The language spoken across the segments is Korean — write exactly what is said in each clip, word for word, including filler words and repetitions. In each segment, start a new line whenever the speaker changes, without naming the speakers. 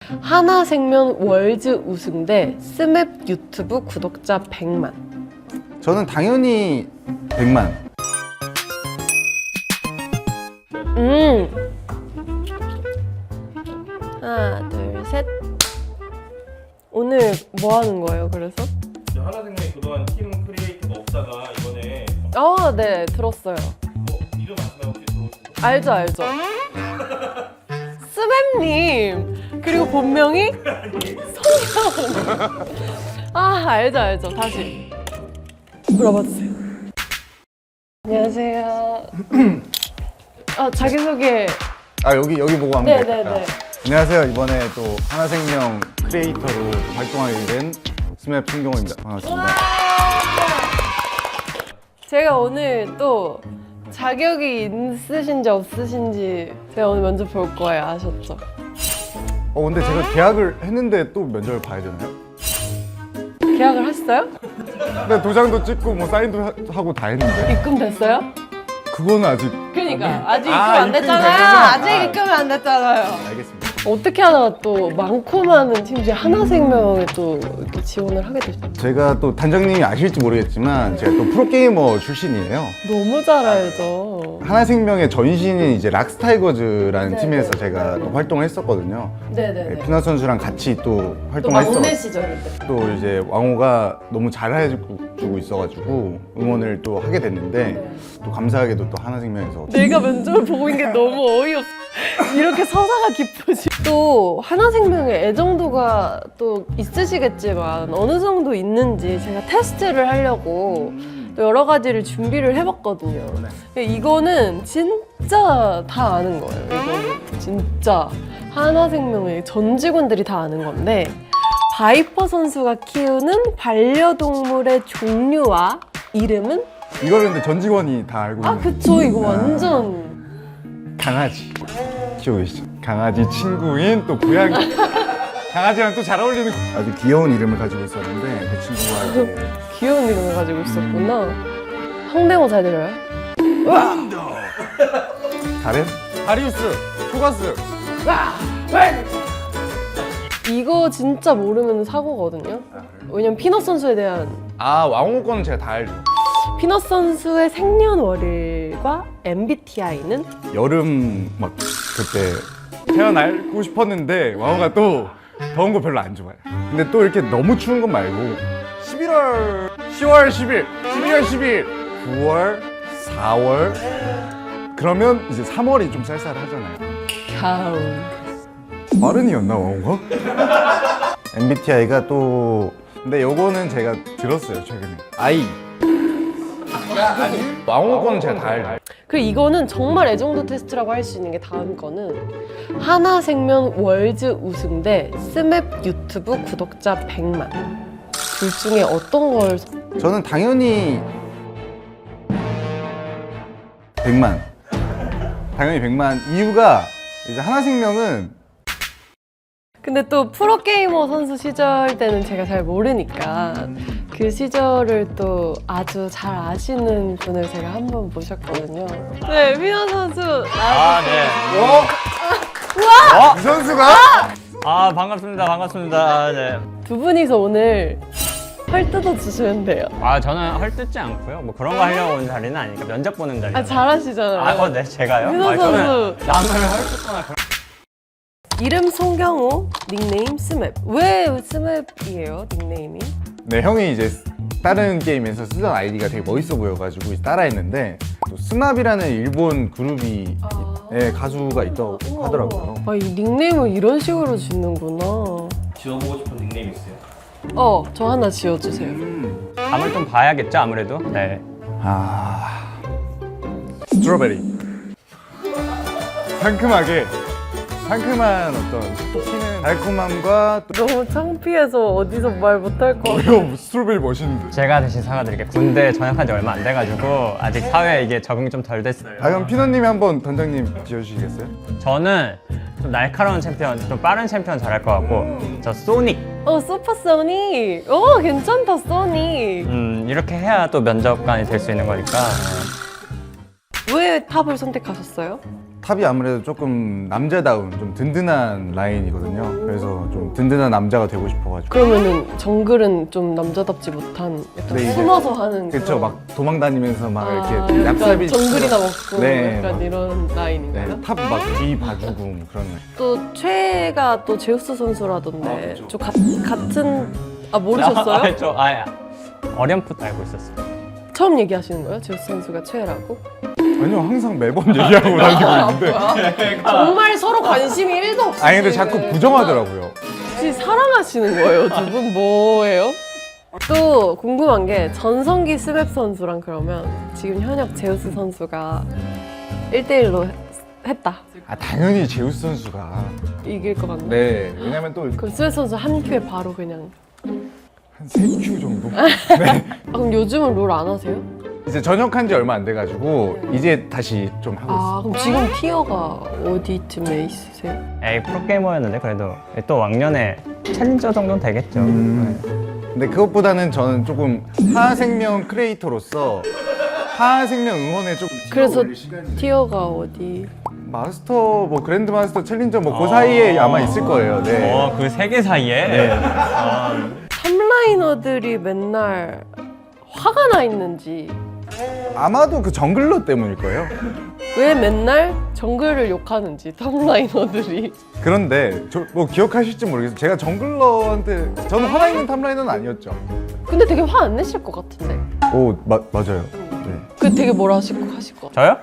하나생명 월즈 우승대 스맵 유튜브 구독자 백만.
저는 당연히 백만.
음. 하나, 둘, 셋. 오늘 뭐 하는 거예요, 그래서?
하나생명이 그동안 팀 크리에이터가 없다가 이번에
아, 네, 들었어요.
어, 이름 아시나요? 혹시 들어보셨어요?
알죠, 알죠. 스맵님. 그리고 본명이 성형. 아, 알죠, 알죠. 다시 물어봐 주세요. 안녕하세요. 아, 자기소개.
아 여기 여기 보고 하면
네,
될까요?
네, 네.
안녕하세요. 이번에 또 하나생명 크리에이터로 활동하게 된 스맵 신경호입니다. 반갑습니다.
제가 오늘 또 자격이 있으신지 없으신지 제가 오늘 먼저 볼 거예요. 아셨죠?
어 근데 제가 계약을 했는데 또 면접을 봐야 되나요?
계약을 하셨어요?
네, 도장도 찍고 뭐 사인도 하- 하고 다 했는데
입금됐어요?
그거는 아직.
그러니까 아직 입금
아,
안
입금이
됐잖아요.
되구나.
아직
아.
입금이 안 됐잖아요.
알겠습니다.
어떻게 하다가 또 많고 많은 팀 중에 하나생명에 또 이렇게 지원을 하게 되셨죠?
제가 또 단장님이 아실지 모르겠지만 제가 또 프로게이머 출신이에요.
너무 잘 알죠.
하나생명의 전신인 이제 락스타이거즈라는
네,
팀에서
네.
제가 또 활동을 했었거든요. 네,
네네네.
피나 선수랑 같이 또
또
활동을
막내
했어.
시절일 때.
또 이제 왕호가 너무 잘해주고 있어가지고 응원을 또 하게 됐는데 또 감사하게도 또 하나생명에서
내가 면접을 보고 있는 게 너무 어이없어. 이렇게 서사가 깊어지. 또 하나생명의 애정도가 또 있으시겠지만 어느 정도 있는지 제가 테스트를 하려고 또 여러 가지를 준비를 해봤거든요. 근데 이거는 진짜 다 아는 거예요. 이거는 진짜 하나생명의 전 직원들이 다 아는 건데, 바이퍼 선수가 키우는 반려동물의 종류와 이름은?
이거를 근데 전 직원이 다 알고
아
있는
그쵸, 이거 완전
강아지 키우고 계시죠? 강아지 친구인 또 고양이 강아지랑 또 잘 어울리는 아주 귀여운 이름을 가지고 있었는데 그 친구가 이제
귀여운 이름을 가지고 있었구나. 성대모 잘 들어요?
다른? 다리우스, 토가스.
이거 진짜 모르면 사고거든요. 왜냐면 피넛 선수에 대한,
아 왕호 거는 제가 다 알죠.
피넛 선수의 생년월일과 엠비티아이는?
여름 막 그때 태어나고 싶었는데 왕호가 또 더운 거 별로 안 좋아해. 근데 또 이렇게 너무 추운 건 말고 십일월, 시월 십일, 십이월 십일, 구월, 사월 그러면 이제 삼월이 좀 쌀쌀하잖아요.
가을.
마른이었나 왕호가? 엠비티아이가 또 근데 요거는 제가 들었어요 최근에. 아이. 왕호 거는 제가 다 알죠.
그리고 이거는 정말 애정도 테스트라고 할 수 있는 게 다음 거는 하나생명 월즈 우승대 스맵 유튜브 구독자 백만. 둘 중에 어떤 걸 선-
저는 당연히 백만. 당연히 백만. 이유가 이제 하나생명은
근데 또 프로게이머 선수 시절 때는 제가 잘 모르니까 그 시절을 또 아주 잘 아시는 분을 제가 한 번 모셨거든요. 네, 피나 선수
아, 네.
이 선수가
아, 반갑습니다. 반갑습니다. 네.
두 분이서 오늘 헐 뜯어 주시면 돼요.
아, 저는 헐뜯지 않고요. 뭐 그런 거 하려고 온 자리는 아니니까 면접 보는 자리.
아, 잘하시잖아요.
아, 어, 네, 제가요?
민호
아, 저는
선수.
남을 헐뜯거나 그런.
이름 송경호, 닉네임 스맵. 왜 스맵이에요, 닉네임이?
네 형이 이제 다른 게임에서 쓰던 아이디가 되게 멋있어 보여가지고 따라했는데 또 스마비라는 일본 그룹이 예, 가수가 있다고 하더라고요.
아, 이 닉네임을 이런 식으로 짓는구나.
지어보고 싶은 닉네임 있어요?
어, 저 하나 지어주세요.
감을 좀 봐야겠죠, 아무래도. 네.
아 스트로베리 상큼하게 상큼한 어떤 톡 튀는 달콤함과 또
너무 창피해서 어디서 말 못할 것 같아.
어려운 스트로베리 멋있는데.
제가 대신 사과드릴게요. 군대 전역한 지 얼마 안 돼가지고 아직 사회에 이게 적응이 좀 덜 됐어요.
아 그럼 피너님이 한번 단장님 지어주시겠어요?
저는 좀 날카로운 챔피언, 좀 빠른 챔피언 잘할 것 같고, 저 소닉.
어, 슈퍼 소닉. 오, 괜찮다, 소닉.
음, 이렇게 해야 또 면접관이 될 수 있는 거니까.
왜 탑을 선택하셨어요?
탑이 아무래도 조금 남자다운 좀 든든한 라인이거든요. 그래서 좀 든든한 남자가 되고 싶어가지고.
그러면은 정글은 좀 남자답지 못한 약간
네, 이제-
숨어서 하는
그쵸,
그런-
막 도망다니면서 막
아,
이렇게
약간
얍삽이
정글이나 먹고
네,
약간
막-
이런 라인인가요?
네, 탑 막 뒤 봐주고 뭐 그런 거.
또 최애가 또 제우스 선수라던데
아, 그쵸.
좀 가, 같은 아 모르셨어요?
아, 저 아, 어렴풋 알고 있었어요.
처음 얘기하시는 거예요? 제우스 선수가 최애라고?
아니요, 항상 매번 얘기하고 다니고 있는데.
정말 서로 관심이 일도 없으시네.
아니 근데 자꾸 부정하더라고요.
혹시 사랑하시는 거예요? 두 분 뭐예요? 또 궁금한 게 전성기 스맵 선수랑 그러면 지금 현역 제우스 선수가 일 대일로 했다.
아 당연히 제우스 선수가.
이길 것 같네.
네, 왜냐면 또
그럼 스맵 선수 한 큐에 바로 그냥.
한 세 큐 정도.
아, 그럼 요즘은 롤 안 하세요?
이제 전역한 지 얼마 안 돼가지고 이제 다시 좀 하고 있어요.
아 그럼 지금 티어가 어디쯤에 있으세요?
에이 프로게이머였는데 그래도 또 왕년에 챌린저 정도는 되겠죠.
음. 근데 그것보다는 저는 조금 하생명 크리에이터로서 하생명 응원에 좀
그래서 티어가 어디?
마스터 뭐 그랜드 마스터 챌린저 뭐 그 사이에 아마 있을 거예요. 네.
어, 그 세 개 사이에?
네.
아,
탑라이너들이 맨날 화가 나 있는지
아마도 그 정글러 때문일 거예요.
왜 맨날 정글을 욕하는지 탑라이너들이.
그런데 저 뭐 기억하실지 모르겠어요. 제가 정글러한테 저는 화나 있는 탑라이너는 아니었죠.
근데 되게 화 안 내실 것 같은데.
오 마, 맞아요. 네.
그 되게 뭐라 하실 거 하실 거.
저요?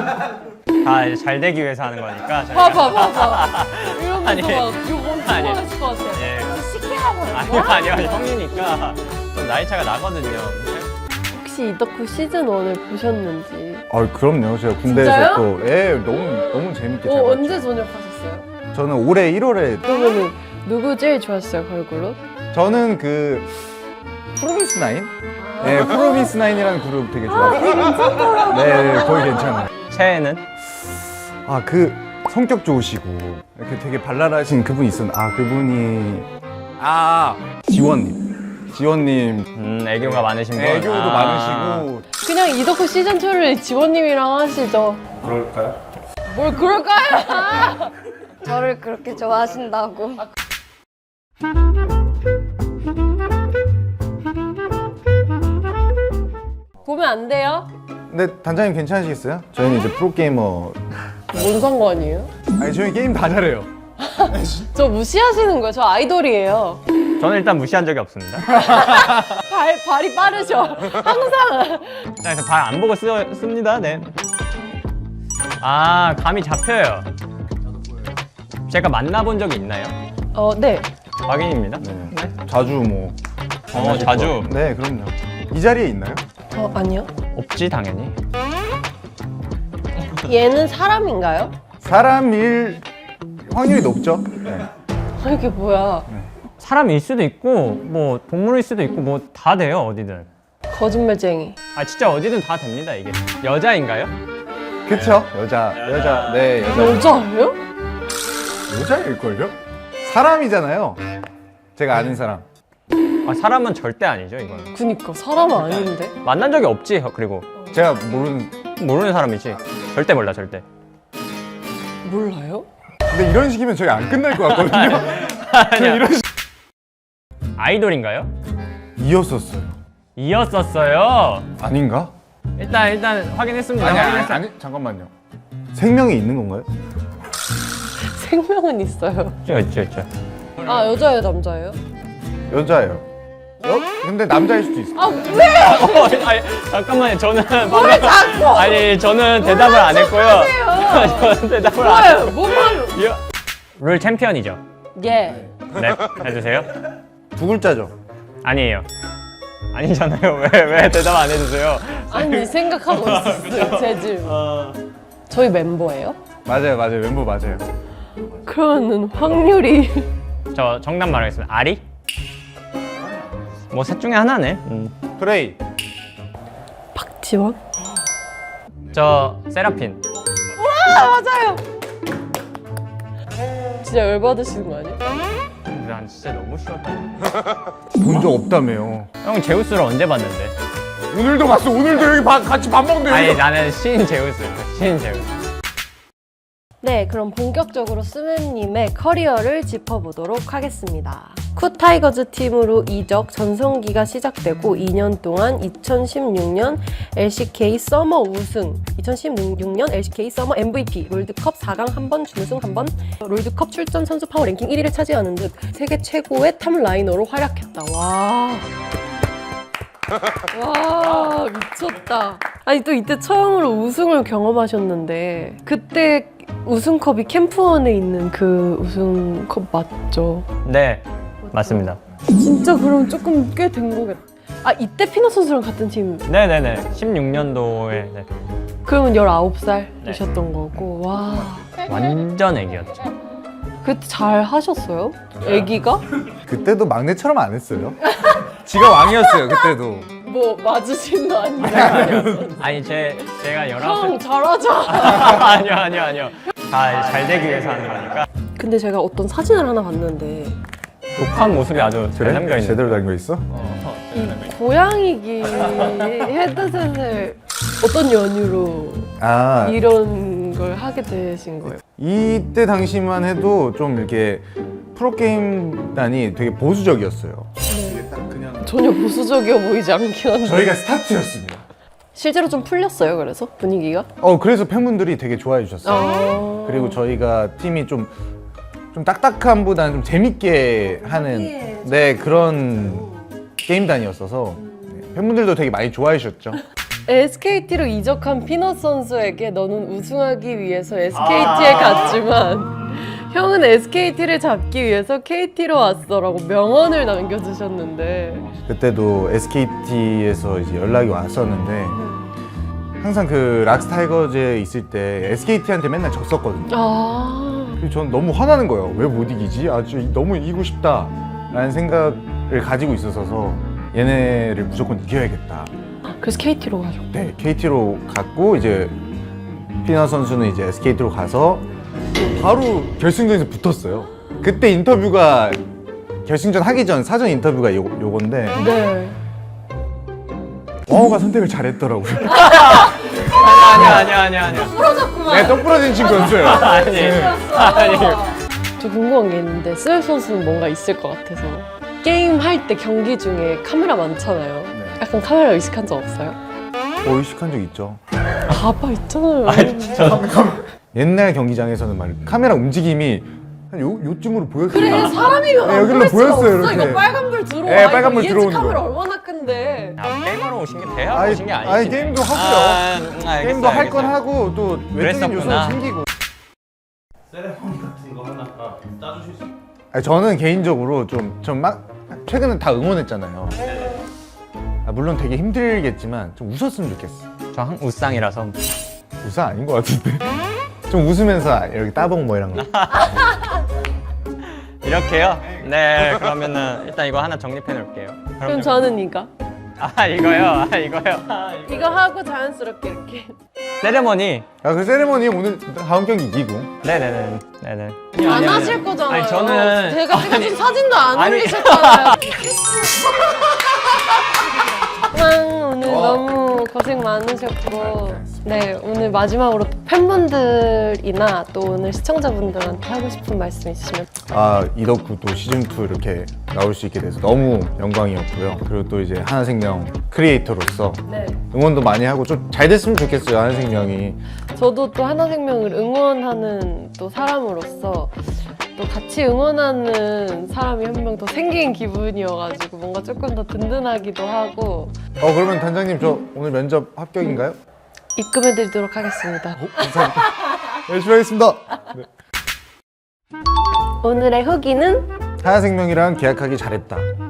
다 잘 되기 위해서 하는 거니까. 저희가-
봐봐 봐봐. 이러면서
아니,
막 욕 엄청
아니.
하실 것 같아.
예.
시키라고.
아니요, 아니요, 형이니까 좀 나이 차가 나거든요.
혹시 이덕후 시즌 원을 보셨는지.
아 그럼요. 제가 군대에서
진짜요?
또 예, 너무 너무 재밌게 잘
어
봤죠.
언제 전역하셨어요?
저는 올해 일월에
그러면은 누구 제일 좋았어요 걸그룹?
저는 그 프로미스 나인? 네, 프로미스 나인이라는 그룹 되게 좋아해요. 네, 거의 괜찮아요.
최애는?
아, 그 성격 좋으시고 이렇게 되게 발랄하신 그분이 있었는데 아, 그분이 아, 지원님. 지원님
음, 애교가 많으신 분.
애교도
아.
많으시고
그냥 이덕후 시즌 이를 지원님이랑 하시죠.
그럴까요?
뭘 그럴까요?
저를 그렇게 좋아하신다고.
보면 안 돼요?
근데 단장님 괜찮으시겠어요? 저희는 이제 프로게이머
뭔 상관이에요?
아니 저희 게임 다 잘해요.
저 무시하시는 거예요. 저 아이돌이에요.
저는 일단 무시한 적이 없습니다.
발, 발이 빠르셔. 항상.
자, 그래서 발 안 보고 쓰, 씁니다. 네. 아, 감이 잡혀요. 제가 만나본 적이 있나요?
어, 네.
확인입니다.
네. 자주 뭐
어,
만나실
자주?
것 같- 네, 그럼요. 이 자리에 있나요?
어, 아니요.
없지, 당연히.
얘는 사람인가요?
사람일 확률이 높죠? 네.
아, 이게 뭐야.
사람일 수도 있고, 뭐, 동물일 수도 있고, 뭐, 다 돼요, 어디든.
거짓말쟁이.
아, 진짜 어디든 다 됩니다, 이게. 여자인가요?
그쵸? 여자, 여자, 네, 여자.
여자예요?
여자일걸요? 사람이잖아요. 제가 아는 사람.
아, 사람은 절대 아니죠, 이거는.
그니까 사람은 아닌데.
만난 적이 없지, 그리고.
제가 모르는.
모르는 사람이지. 절대 몰라, 절대.
몰라요?
근데 이런 식이면 저희 안 끝날 것 같거든요.
아니야.
이런 식.
아이돌인가요?
이었었어요.
이었었어요.
아닌가?
일단, 일단 확인했습니다.
아니, 아니,
확인했어요.
아니, 잠깐만요. 생명이 있는 건가요?
생명은 있어요.
있죠, 있죠, 있죠.
아, 여자예요, 남자예요?
여자예요. 여? 근데 남자일 수도 있어.
아, 왜?
어, 아니, 잠깐만요. 저는 방금 아니 저는 대답을 안 했고요. 저는 대답을 안
뭐예요? 뭐만.
했고요. 룰 챔피언이죠.
예.
네, 해주세요.
두 글자죠.
아니에요. 아니잖아요. 왜 왜 대답 안 해주세요?
아니, 생각하고 있었어요, 제 질문. 저희 멤버예요?
맞아요, 맞아요. 멤버 맞아요.
그러면은 확률이.
저 정답 말하겠습니다. 아리? 뭐 셋 중에 하나네. 음.
프레이.
박지원?
저 세라핀.
아, 맞아요! 진짜 열받으시는 거 아니에요?
난 진짜 너무 쉬웠다.
본 적 없다며요.
형 제우스를 언제 봤는데?
오늘도 봤어. 오늘도 여기 밥- 같이 밥 먹는데.
아니
여기서.
나는 시인 제우스. 시인 제우스.
네, 그럼 본격적으로 스맨님의 커리어를 짚어보도록 하겠습니다. 쿠 타이거즈 팀으로 이적 전성기가 시작되고 이 년 동안 이천십육 년 엘씨케이 서머 우승, 이천십육 년 엘씨케이 서머 엠브이피, 롤드컵 사 강 한 번, 준우승 한 번, 롤드컵 출전 선수 파워 랭킹 일 위를 차지하는 듯 세계 최고의 탑 라이너로 활약했다. 와. 와, 미쳤다. 아니, 또 이때 처음으로 우승을 경험하셨는데 그때 우승컵이 캠프원에 있는 그 우승컵 맞죠?
네, 맞습니다.
진짜 그럼 조금 꽤 된 거겠다. 아, 이때 피너 선수랑 같은 팀.
네네네. 십육 년도에 네.
그러면 열아홉 살이셨던 거고. 와.
완전 애기였죠.
그때 잘 하셨어요? 애기가?
그때도 막내처럼 안 했어요. 지가 왕이었어요 그때도.
뭐 맞으신 거 아니에요?
아니 제 제가 열아홉
형 잘하자.
아니요 아니요 아니요. 다 잘 되기 위해서 하는 거니까.
근데 제가 어떤 사진을 하나 봤는데
독한 모습이 아주 잘 담겨 있는.
제대로 담겨 있어?
이 고양이기 헤드셋을 어떤 연유로
아
이런 걸 하게 되신 거예요?
이때 당시만 해도 좀 이렇게 프로게임단이 되게 보수적이었어요.
전혀 보수적이어 보이지 않긴 한데
저희가 스타트였습니다.
실제로 좀 풀렸어요. 그래서 분위기가?
어 그래서 팬분들이 되게 좋아해 주셨어요.
어...
그리고 저희가 팀이 좀, 좀 딱딱함보다는 좀 재밌게 하는 네 그런 게임단이었어서 네, 팬분들도 되게 많이 좋아해 주셨죠.
에스케이티로 이적한 피넛 선수에게 너는 우승하기 위해서 에스케이티에 갔지만 형은 에스케이티를 잡기 위해서 케이티로 왔어라고 명언을 남겨주셨는데
그때도 에스케이티에서 이제 연락이 왔었는데 항상 그 락스 타이거즈에 있을 때 에스케이티한테 맨날 졌었거든요.
아...
그래서 전 너무 화나는 거예요. 왜 못 이기지? 아주 너무 이기고 싶다라는 생각을 가지고 있어서 얘네를 무조건 이겨야겠다.
그래서 케이티로 가셨고
네, 케이티로 갔고 이제 피나 선수는 이제 에스케이티로 가서 바로 결승전에서 붙었어요. 그때 인터뷰가 결승전 하기 전 사전 인터뷰가 요, 요건데
네.
와우가 선택을 잘했더라고요.
아니야 아니야 아니야 아니야.
네, 똑 부러진 친구였어요.
아니 아니.
저 궁금한 게 있는데 스웰 선수는 뭔가 있을 것 같아서 게임 할 때 경기 중에 카메라 많잖아요.
네.
약간 카메라 의식한 적 없어요?
어, 의식한 적 있죠.
봐봐 있잖아요.
옛날 경기장에서는 막 카메라 움직임이 한 요, 요쯤으로 보였어요.
그래 사람이면
네,
안
여기로
보일 수가
보였어요,
없어.
이렇게.
이거 빨간불 들어와.
네, 빨간불
이거
들어오는
카메라
거.
얼마나 큰데.
아, 게임하러 오신 게 대학
아니,
오신 게 아니지.
아니, 게임도 하고요.
아, 음, 알겠어요,
게임도 할 건
알겠어요.
하고 또 외적인 요소도
그랬었구나.
생기고.
세레모니 같은 거 하나 아, 짜주실 수 있어요?
아니, 저는 개인적으로 좀, 좀 막, 최근에 다 응원했잖아요. 아, 물론 되게 힘들겠지만 좀 웃었으면 좋겠어.
저 한 우상이라서.
웃어 아닌 것 같은데. 좀 웃으면서 이렇게 따봉 뭐 이런 거.
이렇게요? 네, 그러면은 일단 이거 하나 정립해 놓을게요.
그럼 저는 이거.
아, 이거요? 아, 이거요? 아, 이거.
이거 하고 자연스럽게 이렇게.
세레머니.
아, 그 세레머니 오늘 다음 경기 이기고.
네네네. 네네.
안 하실 거잖아요.
아니, 저는.
제가 찍어준 사진도 안
아니.
올리셨잖아요. 아, 오늘 너무 고생 많으셨고 네 오늘 마지막으로 팬분들이나 또 오늘 시청자분들한테 하고 싶은 말씀 있으시면
아, 이덕구 또 시즌이 이렇게 나올 수 있게 돼서 너무 영광이었고요. 그리고 또 이제 하나생명 크리에이터로서
네
응원도 많이 하고 좀 잘 됐으면 좋겠어요, 하나생명이.
저도 또 하나생명을 응원하는 또 사람으로서 또 같이 응원하는 사람이 한 명 더 생긴 기분이어가지고 뭔가 조금 더 든든하기도 하고
어, 그러면 단장님 저 오늘 면접 합격인가요?
입금해드리도록 하겠습니다.
어, 감사합니다. 열심히 하겠습니다.
오늘의 후기는
하나생명이랑 계약하기 잘했다.